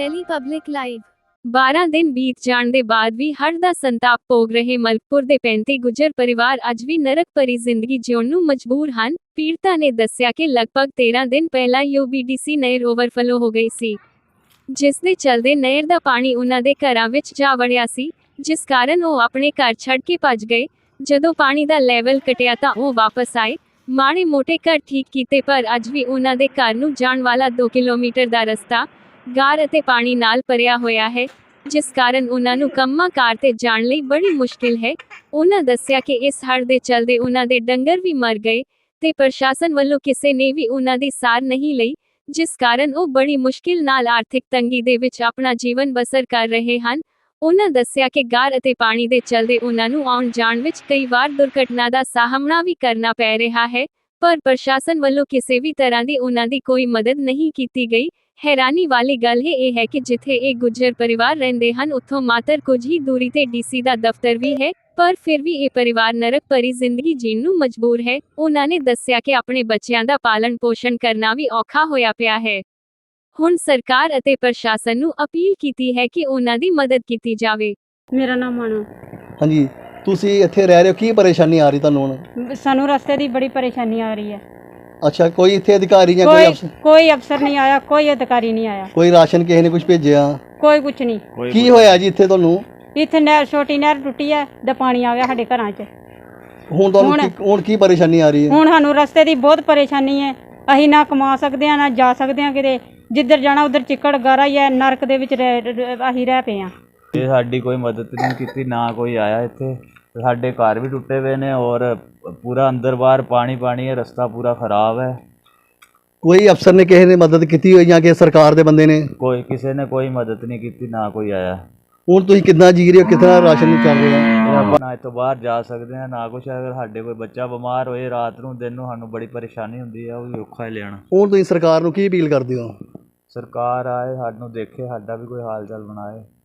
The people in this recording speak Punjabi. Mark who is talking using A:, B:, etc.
A: डेली पब्लिक लाइव 12 दिन बीत जाण ਦੇ ਬਾਅਦ ਵੀ ਹੜ੍ਹ ਦਾ ਸੰਤਾਪ ਭੋਗ ਰਹੇ ਮਲਕਪੁਰ ਦੇ 35 ਗੁੱਜਰ ਪਰਿਵਾਰ ਅੱਜ ਵੀ ਨਰਕ ਭਰੀ ਜ਼ਿੰਦਗੀ ਜਿਉਣ ਨੂੰ ਮਜਬੂਰ ਹਨ। ਪੀੜਤਾ ਨੇ ਦੱਸਿਆ ਕਿ ਲਗਭਗ 13 ਦਿਨ ਪਹਿਲਾਂ UBDC ਨਹਿਰ ਓਵਰਫਲੋ ਹੋ ਗਈ ਸੀ, ਜਿਸ ਦੇ ਚਲਦੇ ਨਹਿਰ ਦਾ ਪਾਣੀ ਉਹਨਾਂ ਦੇ ਘਰਾਂ ਵਿੱਚ ਜਾ ਵੜਿਆ ਸੀ, ਜਿਸ ਕਾਰਨ ਉਹ ਆਪਣੇ ਘਰ ਛੱਡ ਕੇ ਭੱਜ ਗਏ। ਜਦੋਂ ਪਾਣੀ ਦਾ ਲੈਵਲ ਘਟਿਆ ਤਾਂ ਉਹ ਵਾਪਸ ਆਏ, ਮਾੜੇ ਮੋਟੇ ਘਰ ਠੀਕ ਕੀਤੇ, ਪਰ ਅੱਜ ਵੀ ਉਹਨਾਂ ਦੇ ਘਰ ਨੂੰ ਜਾਣ ਵਾਲਾ 2 ਕਿਲੋਮੀਟਰ ਦਾ ਰਸਤਾ ਗਾਰ ਅਤੇ ਪਾਣੀ ਨਾਲ ਭਰਿਆ ਹੋਇਆ ਹੈ, ਜਿਸ ਕਾਰਨ ਉਹਨਾਂ ਨੂੰ ਕੰਮਾਂ ਕਾਰ ਤੇ ਜਾਣ ਲਈ ਬੜੀ ਮੁਸ਼ਕਿਲ ਹੈ। ਉਹਨਾਂ ਦੱਸਿਆ ਕਿ ਇਸ ਹੜ੍ਹ ਦੇ ਚਲਦੇ ਉਹਨਾਂ ਦੇ ਡੰਗਰ ਵੀ ਮਰ ਗਏ ਤੇ ਪ੍ਰਸ਼ਾਸਨ ਵੱਲੋਂ ਕਿਸੇ ਨੇ ਵੀ ਉਹਨਾਂ ਦੀ ਸਾਰ ਨਹੀਂ ਲਈ, ਜਿਸ ਕਾਰਨ ਉਹ ਬੜੀ ਮੁਸ਼ਕਿਲ ਨਾਲ ਆਰਥਿਕ ਤੰਗੀ ਦੇ ਵਿੱਚ ਆਪਣਾ ਜੀਵਨ ਬਸਰ ਕਰ ਰਹੇ ਹਨ। ਉਹਨਾਂ ਦੱਸਿਆ ਕਿ ਗਾਰ ਅਤੇ ਪਾਣੀ ਦੇ ਚਲਦੇ ਉਹਨਾਂ ਨੂੰ ਆਉਣ ਜਾਣ ਵਿੱਚ ਕਈ ਵਾਰ ਦੁਰਘਟਨਾ ਦਾ ਸਾਹਮਣਾ ਵੀ ਕਰਨਾ ਪੈ ਰਿਹਾ ਹੈ, ਪਰ ਪ੍ਰਸ਼ਾਸਨ ਵੱਲੋਂ ਕਿਸੇ ਵੀ ਤਰ੍ਹਾਂ ਦੀ ਉਹਨਾਂ ਦੀ ਕੋਈ ਮਦਦ ਨਹੀਂ ਕੀਤੀ ਗਈ। ਹੈਰਾਨੀ ਵਾਲੀ ਗੱਲ ਇਹ ਹੈ ਕਿ ਜਿੱਥੇ ਇਹ ਗੁੱਜਰ ਪਰਿਵਾਰ ਰਹਿੰਦੇ ਹਨ, ਉੱਥੋਂ ਮਾਤਰ ਕੁਝ ਹੀ ਦੂਰੀ ਤੇ DC ਦਾ ਦਫ਼ਤਰ ਵੀ ਹੈ, ਪਰ ਫਿਰ ਵੀ ਇਹ ਪਰਿਵਾਰ ਨਰਕ ਭਰੀ ਜ਼ਿੰਦਗੀ ਜੀਣ ਨੂੰ ਮਜਬੂਰ ਹੈ। ਉਹਨਾਂ ਨੇ ਦੱਸਿਆ ਕਿ ਆਪਣੇ ਬੱਚਿਆਂ ਦਾ ਪਾਲਣ ਪੋਸ਼ਣ ਕਰਨਾ ਵੀ ਔਖਾ ਹੋਇਆ ਪਿਆ ਹੈ। ਹੁਣ ਸਰਕਾਰ ਅਤੇ ਪ੍ਰਸ਼ਾਸਨ ਨੂੰ ਅਪੀਲ ਕੀਤੀ ਹੈ ਕਿ ਉਹਨਾਂ ਦੀ ਮਦਦ ਕੀਤੀ ਜਾਵੇ।
B: ਮੇਰਾ ਨਾਮ ਮਾਨੋ।
C: ਹਾਂਜੀ, ਤੁਸੀਂ ਇੱਥੇ ਰਹਿ ਰਹੇ ਹੋ, ਕੀ ਪਰੇਸ਼ਾਨੀ ਆ ਰਹੀ ਤੁਹਾਨੂੰ ਹੁਣ?
B: ਸਾਨੂੰ ਰਸਤੇ ਦੀ ਬੜੀ ਪਰੇਸ਼ਾਨੀ ਆ ਰਹੀ ਹੈ।
C: ਅੱਛਾ, ਕੋਈ ਇੱਥੇ ਅਧਿਕਾਰੀ ਜਾਂ
B: ਕੋਈ ਅਫਸਰ ਨਹੀਂ ਆਇਆ, ਕੋਈ ਅਧਿਕਾਰੀ ਨਹੀਂ ਆਇਆ,
C: ਕੋਈ ਰਾਸ਼ਨ ਕਿਸੇ ਨੇ ਕੁਝ ਭੇਜਿਆ?
B: ਕੋਈ ਕੁਛ ਨਹੀਂ।
C: ਕੀ ਹੋਇਆ ਜੀ ਇੱਥੇ ਤੁਹਾਨੂੰ?
B: ਇੱਥੇ ਨਹਿਰ, ਛੋਟੀ ਨਹਿਰ ਟੁੱਟੀ ਹੈ ਤੇ ਪਾਣੀ ਆ ਗਿਆ ਸਾਡੇ ਘਰਾਂ 'ਚ।
C: ਹੁਣ ਤੁਹਾਨੂੰ ਹੁਣ ਕੀ ਪਰੇਸ਼ਾਨੀ ਆ ਰਹੀ ਹੈ?
B: ਹੁਣ ਸਾਨੂੰ ਰਸਤੇ ਦੀ ਬਹੁਤ ਪਰੇਸ਼ਾਨੀ ਹੈ। ਅਸੀਂ ਨਾ ਕਮਾ ਸਕਦੇ ਹਾਂ, ਨਾ ਜਾ ਸਕਦੇ ਹਾਂ ਕਿਤੇ। ਜਿੱਧਰ ਜਾਣਾ ਉਧਰ ਚਿੱਕੜ ਗਾਰਾ ਹੀ ਹੈ, ਨਰਕ ਦੇ ਵਿੱਚ ਅਸੀਂ ਰਹਿ ਪਏ ਹਾਂ।
D: ਇਹ ਸਾਡੀ ਕੋਈ ਮਦਦ ਨਹੀਂ ਕੀਤੀ, ਨਾ ਕੋਈ ਆਇਆ ਇੱਥੇ। ਸਾਡੇ ਘਰ ਵੀ ਟੁੱਟੇ ਹੋਏ ਨੇ ਔਰ ਪੂਰਾ ਅੰਦਰ ਬਾਹਰ ਪਾਣੀ ਪਾਣੀ ਹੈ, ਰਸਤਾ ਪੂਰਾ ਖਰਾਬ ਹੈ।
C: ਕੋਈ ਅਫਸਰ ਨੇ ਕਿਸੇ ਨੇ ਮਦਦ ਕੀਤੀ ਹੋਈ ਜਾਂ ਕਿ ਸਰਕਾਰ ਦੇ ਬੰਦੇ ਨੇ?
D: ਕਿਸੇ ਨੇ ਕੋਈ ਮਦਦ ਨਹੀਂ ਕੀਤੀ, ਨਾ ਕੋਈ ਆਇਆ।
C: ਹੁਣ ਤੁਸੀਂ ਕਿੱਦਾਂ ਜੀ ਰਹੇ ਹੋ, ਕਿਤਨਾ ਰਾਸ਼ਨ ਚੱਲ ਰਿਹਾ?
D: ਆਪਾਂ ਨਾ ਇੱਥੋਂ ਬਾਹਰ ਜਾ ਸਕਦੇ ਹਾਂ, ਨਾ ਕੁਛ। ਅਗਰ ਸਾਡੇ ਕੋਈ ਬੱਚਾ ਬਿਮਾਰ ਹੋਏ ਰਾਤ ਨੂੰ ਦਿਨ ਨੂੰ, ਸਾਨੂੰ ਬੜੀ ਪਰੇਸ਼ਾਨੀ ਹੁੰਦੀ ਹੈ, ਉਹ ਵੀ ਔਖਾ ਹੀ ਲਿਆਉਣਾ।
C: ਹੁਣ ਤੁਸੀਂ ਸਰਕਾਰ ਨੂੰ ਕੀ ਅਪੀਲ ਕਰਦੇ ਹੋ?
D: ਸਰਕਾਰ ਆਏ, ਸਾਨੂੰ ਦੇਖੇ, ਸਾਡਾ ਵੀ ਕੋਈ ਹਾਲ ਚਾਲ ਬਣਾਏ।